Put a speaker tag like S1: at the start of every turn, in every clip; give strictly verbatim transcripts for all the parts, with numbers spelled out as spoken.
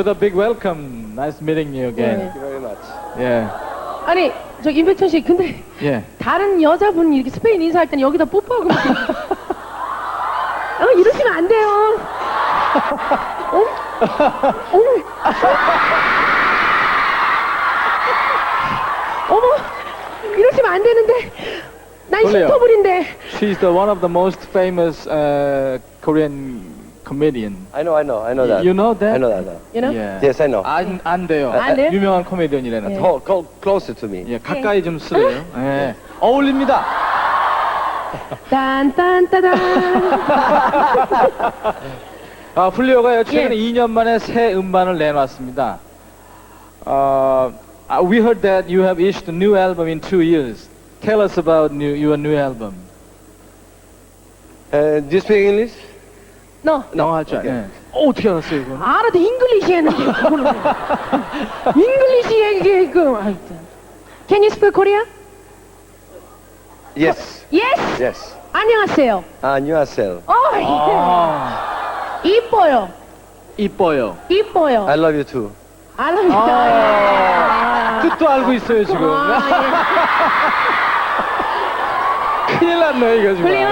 S1: the big welcome. Nice meeting you again.
S2: Thank you very much.
S1: 예.
S3: 아니 저 임백천 씨 근데
S1: 예.
S3: 다른 여자분 이렇게 스페인 인사할 때는 여기다 뽀뽀하고 막- 어 이러시면 안 돼요. 어? 어머 어머 이러시면 안 되는데 난
S1: 졸려요.
S3: 신토불인데.
S1: She's the one of the most famous uh, Korean comedian.
S2: I know, I know, I know that.
S1: You know that?
S2: I know that. Now.
S3: You know?
S1: 예.
S2: Yes, I know.
S1: 안, 안 돼요.
S3: 안 돼요?
S1: 유명한 코미디언이라는.
S3: 예.
S2: Hold, go closer to me.
S1: 예, 가까이 좀 쓰래요. 예. 어울립니다.
S3: 딴딴따단.
S1: 아, 플리오가요. 최근에
S3: 예.
S1: 이 년 만에 새 음반을 내놨습니다. 어, uh, we heard that you have issued a new album in two years. Tell us about new, your new album.
S2: Uh, do you speak English?
S3: 너
S1: 영어 할 줄
S2: 오케이.
S1: 알아요. 어, 어떻게 알았어요, 이거?
S3: 알아도 잉글리시 했는데 그거는 잉글리시 얘기 그 하여튼. Can you speak Korea?
S2: Yes.
S3: Yes.
S2: Yes.
S3: 안녕하세요.
S2: 안녕하세요.
S3: 어 예.
S1: 아,
S3: 이뻐요.
S1: 이뻐요.
S3: 이뻐요.
S2: I love you too.
S3: 알아요.
S1: 아, 뜻도 알고 있어요, 지금. 큰일 났네, 이거 지금.
S3: 흘려.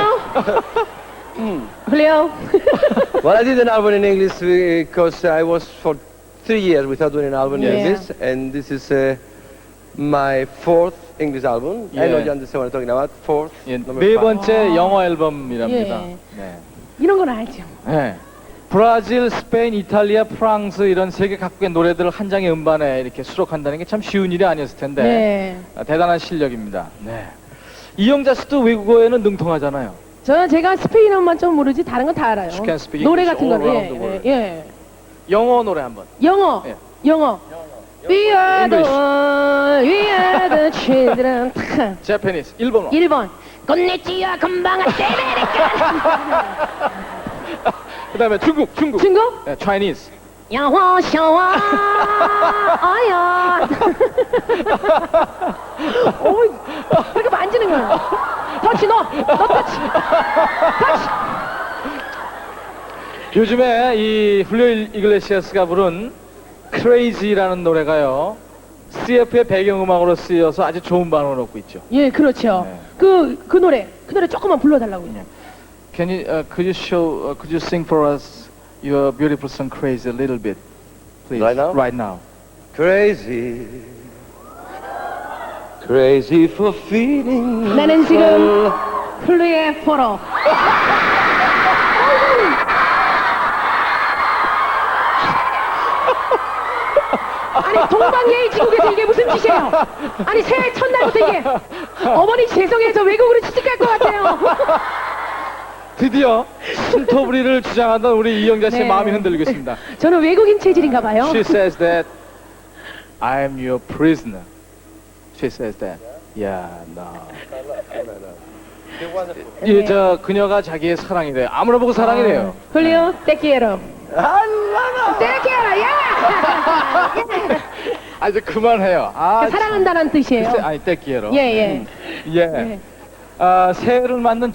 S3: 흘려.
S2: Well, I did an album in English because I was for three years without doing an album in
S3: Yeah.
S2: English, and this is uh, my fourth English album. I know
S1: Yeah.
S2: you understand what I'm talking about. Fourth.
S1: 예,
S2: number
S1: 네
S2: five.
S1: 번째 영어 앨범이랍니다.
S3: 예.
S1: 네.
S3: 이런 건 알죠.
S1: 네. 브라질, 스페인, 이탈리아, 프랑스 이런 세계 각국의 노래들을 한 장의 음반에 이렇게 수록한다는 게 참 쉬운 일이 아니었을 텐데
S3: 네.
S1: 아, 대단한 실력입니다. 네. 이영자 씨도 외국어에는 능통하잖아요.
S3: 저는 제가 스페인어만 좀 모르지 다른 건 다 알아요.
S1: You can speak
S3: 노래
S1: English
S3: 같은
S1: all
S3: 거는
S1: around the
S3: 예,
S1: world.
S3: 예, 예.
S1: 영어 노래 한번.
S3: 영어.
S1: 예.
S3: 영어. We are the
S1: English.
S3: one, we are the children.
S1: Japanese 일본어.
S3: 일 번. 건네찌야 금방 아떼메리카.
S1: 그다음에 중국, 중국.
S3: 중국?
S1: 네, Chinese.
S3: 야화 샤와 아야. 오, 이렇게 만지는 거야. 터치 너, 너 터치. 터치.
S1: 요즘에 이 훌리오 이글레시아스가 부른 Crazy라는 노래가요. 씨에프의 배경음악으로 쓰여서 아주 좋은 반응을 얻고 있죠.
S3: 예, 그렇죠.
S1: 네.
S3: 그, 그 노래, 그 노래 조금만 불러달라고요.
S1: Can you, uh, could you show, uh, could you sing for us your beautiful song Crazy a little bit, please?
S2: Right now?
S1: Right now.
S2: Crazy. Crazy for feeling.
S3: 나는 지금 플루의 포로. 아니 동방예의지국에서 이게 무슨 짓이에요? 아니 새해 첫날부터 이게 어머니 죄송해서 외국으로 취직할 것 같아요.
S1: 드디어 신토부리를 주장하던 우리 이영자 씨의
S3: 네.
S1: 마음이 흔들리고 있습니다.
S3: 저는 외국인 체질인가 봐요.
S1: She says that I am your prisoner. She says that. Yeah, no. 이 저 그녀가 자기의 사랑이래요. 아무나 보고 사랑이래요.
S3: 훌리오 떼키에로.
S2: 알라나.
S3: 떼키에로 야.
S1: 아 이제 그만해요. 아,
S3: 사랑한다는 뜻이에요.
S1: 글쎄, 아니 떼끼에로.
S3: 예 예.
S1: 예.
S3: 예.
S1: 아, 새해를 맞는